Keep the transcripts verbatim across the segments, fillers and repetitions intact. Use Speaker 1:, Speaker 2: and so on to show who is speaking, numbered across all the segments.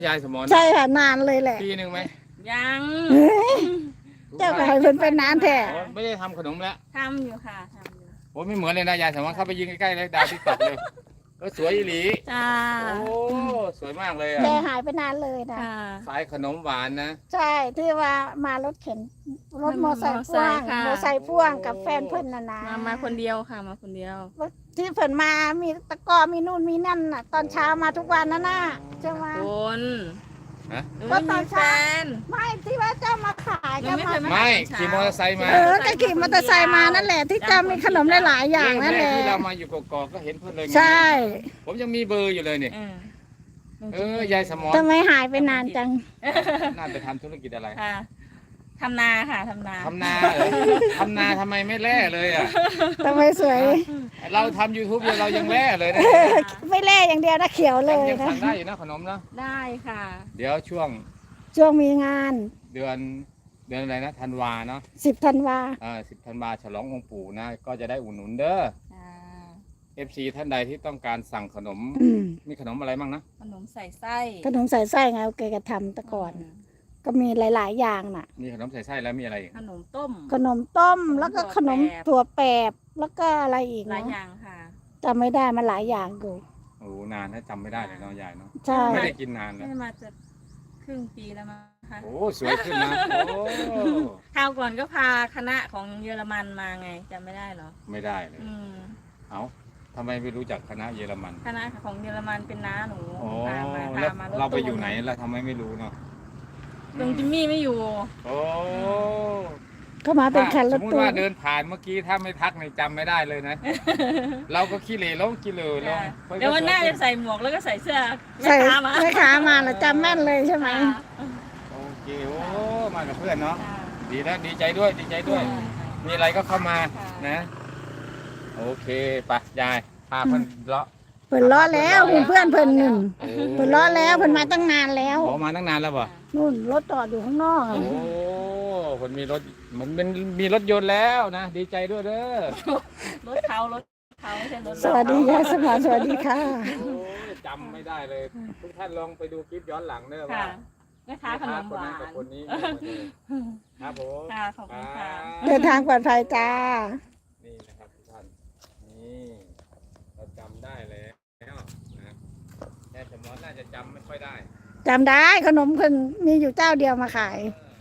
Speaker 1: ยายสมร
Speaker 2: ใช่ค่ะนานเลยแหละ
Speaker 1: ปีหนึ่งไหม
Speaker 3: ยัง
Speaker 2: เจ้าก็ให้เพิ่นเป็นนานแท้
Speaker 1: ไม่ได้ทำขนมแล้ว
Speaker 3: ทำอยู่ค่ะทำอยู่
Speaker 1: โอ้ไม่เหมือนเลยนะยายสมรเข้าไปยิงใกล้ๆเลยดาวติ๊กต็อกเลยก็สวยอีหลี
Speaker 3: จ้า
Speaker 1: โอ้สวยมากเลยอ่ะ
Speaker 2: แกหายไปนานเลยนะ
Speaker 1: สายขนมหวานนะ
Speaker 2: ใช่ที่ว่ามารถเข็นรถมอเตอร์ไซค์พ่วงมอเตอร์ไซค์พ่วงกับแฟนเพิ่นน่ะนะ
Speaker 3: มามาคนเดียวค่ะมาคนเดียว
Speaker 2: ที่เพิ่นมามีตะกอมีนู่นมีนั่นน่ะตอนเช้ามาทุกวันนั่นน่ะใช่ไหม
Speaker 3: คน
Speaker 2: ก็ตอนเช้าไม่ที่ว่าเจ้ามาขายเจ้ามา
Speaker 1: ไม่ขี่มอเตอร์ไซค์มา
Speaker 2: เออก็ขี่มอเตอร์ไซค์มานั่นแหละที่เจ้ามีขนมหลายๆอย่างนั่นแหละ
Speaker 1: ที่เรามาอยู่กอกๆก็เห็นเพื่อนเลย
Speaker 2: ใช่
Speaker 1: ผมยังมีเบอร์อยู่เลยเนี่ยเออยายสมร
Speaker 2: ทำไมหายไปนานจัง
Speaker 1: น่าไปทำธุรกิจอะไร
Speaker 3: ทำนาค่ะทำนา
Speaker 1: ทำนาทำนาทำไมไม่แล่เลยอ่ะ
Speaker 2: ทำไมสวย
Speaker 1: เราทำยูทูบเรายังแล่เลยนะ
Speaker 2: ไม่แล่อย่างเดียวนะเขียวเลย
Speaker 1: นะสั่งได้อยู่นะขนมนะ
Speaker 3: ได้ค่ะ
Speaker 1: เดี๋ยวช่วง
Speaker 2: ช่วงมีงาน
Speaker 1: เดือนเดือนอะไรนะธันวาเนาะ
Speaker 2: สิบธันวา
Speaker 1: อ่าสิบธันวาฉลององค์ปู่นะก็จะได้อุ่นหนุนเด้อเอฟซีท่านใดที่ต้องการสั่งขนมมีขนมอะไรบ้างนะ
Speaker 3: ขนมใส่ไส้
Speaker 2: ขนมใส่ไส้ไงโอเคก็ทำแต่ก่อนก็มีหลายๆอย่างน่ะ
Speaker 1: มีขนมใส่ไส้แล้วมีอะไร
Speaker 3: ขนมต้ม
Speaker 2: ขนมต้มแล้วก็ขนมถั่วแปบแล้วก็อะไรอีก
Speaker 3: หลายอย่างค่ะ
Speaker 2: จำไม่ได้มันหลายอย่างอยู่
Speaker 1: โอ้นานนะจำไม่ได้เลยเนาะยายเนาะ
Speaker 2: ใช่
Speaker 1: ไม่ได้กินนานแล้ว
Speaker 3: ไม่มาจะครึ่งปีแล้วมั้งค่ะ
Speaker 1: โอ้สวยขึ้นนะโอ้
Speaker 3: คราวก่อนก็พาคณะของเยอรมันมาไงจำไม่ได้หรอ
Speaker 1: ไม่ได้เลยเอาทำไมไม่รู้จักคณะเยอรมัน
Speaker 3: คณะของเยอรมันเป็นน้าหนู
Speaker 1: พามาพามาเราไปอยู่ไหนแล้วทำไมไม่รู้เนาะ
Speaker 3: ลุงจิมมี่ไม่อยู่
Speaker 1: โอ้
Speaker 2: ก็มาเป็นคันรถตู้
Speaker 1: สมมติว่าเดินผ่านเมื่อกี้ถ้าไม่ทักในจำไม่ได้เลยนะเราก็ขี้เหร่ลงขี้เหร่ลง
Speaker 3: เดี๋ยววันหน้าจะใส่หมวกแล้วก็ใส่เสื้อ
Speaker 2: แม่ค้ามาแม่ค้ามาแล้วจำแม่นเลยใช่ไหม
Speaker 1: โอเคโอ้มากับเพื่อนเนาะดีแล้วดีใจด้วยดีใจด้วยมีอะไรก็เข้ามานะโอเคไปยายพาเพื่อนเลาะ
Speaker 2: เพิ่นล้อแล้วเพื่อนเพิ่นหนึ่งเพิ่นล้อแล้วเพิ่นมาตั้งนานแล้ว
Speaker 1: อ๋อมาตั้งนานแล้วป่ะ
Speaker 2: นู่นรถจอดอยู่ข้างนอก
Speaker 1: โอ้คนมีรถมันเป็นมีรถยนต์แล้วนะดีใจด้วยเด้อ
Speaker 3: รถเขารถเขาใช่รถ
Speaker 2: สวัสดีค่ะสมรสวัสดีค่ะ
Speaker 1: จำไม่ได้เลยทุกท่านลองไปดูคลิปย้อนหลังเด้อว่า
Speaker 3: แม่ค้าขนมหวาน
Speaker 1: คนนี้ครับผม
Speaker 3: ค่ะขอบคุณค่ะ
Speaker 2: เดินทางปลอดภัยจ้า
Speaker 1: นี่นะครับทุกท่านนี่เราจำได้แล้วนะแต่สมรน่าจะจำไม่ค่อยได้
Speaker 2: จำได้ขนมคนมีอยู่เจ้าเดียวมาขาย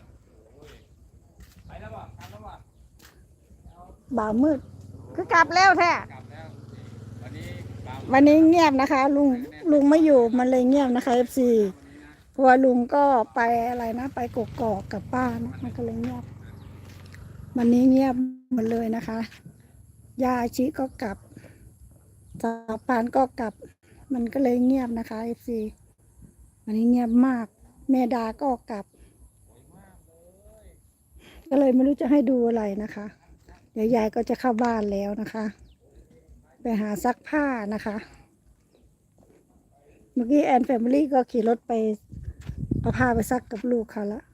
Speaker 1: ไปแล้วบ่กลับแล้วบ่
Speaker 2: บ่าวมืดคือกลับแล้วแท้
Speaker 1: วันนี้
Speaker 2: วันนี้เงียบนะคะลุงลุงไม่อยู่มันเลยเงียบนะคะเอฟซีเพราะว่าลุงก็ไปอะไรนะไปกกอกกับป้านะมันก็เลยเงียบวันนี้เงียบหมดเลยนะคะยาชิก็กลับสาปานก็กลับมันก็เลยเงียบนะคะเอฟซีวันนี้เงียบมากแม่ดาก็กลับก็เลยไม่รู้จะให้ดูอะไรนะคะเดี๋ยวยายก็จะเข้าบ้านแล้วนะคะไปหาซักผ้านะคะเมื่อกี้แอนแฟมิลี่ก็ขี่รถไปเอาผ้าไปซักกับลูกเขาละ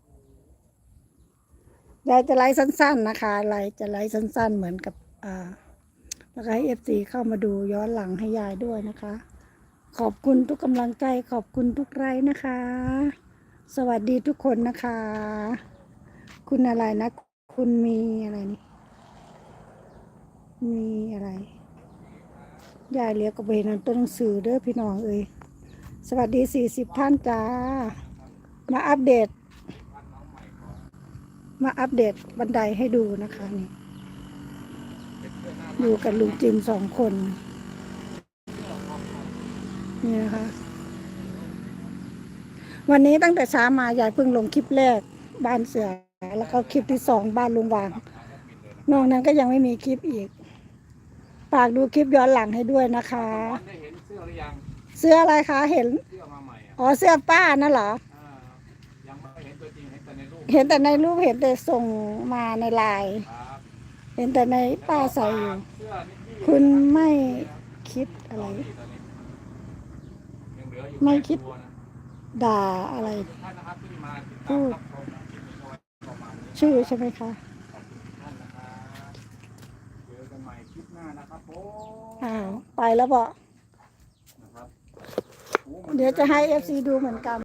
Speaker 2: ยายจะไลฟ์สั้นๆนะคะไลฟ์จะไลฟ์สั้นๆเหมือนกับอ่าแล้วก็ให้เอฟซีเข้ามาดูย้อนหลังให้ยายด้วยนะคะขอบคุณทุกกำลังใจขอบคุณทุกไลฟ์นะคะสวัสดีทุกคนนะคะคุณอะไรนะคุณมีอะไรนี่มีอะไรยายเลี้ยงกับเบนันตัวหนังสือเด้อพี่น้องเอ้ยสวัสดีสี่สิบท่านจ้ามาอัปเดตมาอัปเดตบันไดให้ดูนะคะนี่อยู่กับลุงจิมสองคนนี่นะคะวันนี้ตั้งแต่เช้ามายายเพิ่งลงคลิปแรกบ้านเสือแล้วก็คลิปที่สองบ้านลุงวางนอกนั้นก็ยังไม่มีคลิปอีกฝากดูคลิปย้อนหลังให้ด้วยนะคะเสื้ออะไรคะเห็นอ๋อเสื้อป้านั่นเหรอเห็นแต่ในรูปเห็นแต่ส่งมาในไลน์เห็นแต่ในป้าใส่อยู่คุณไม่คิดอะไรไม่คิดด่าอะไรพูดชื่อใช่ไหมคะอ้าวไปแล้วบอกเดี๋ยวจะให้เอฟซีดูเหมือนกัน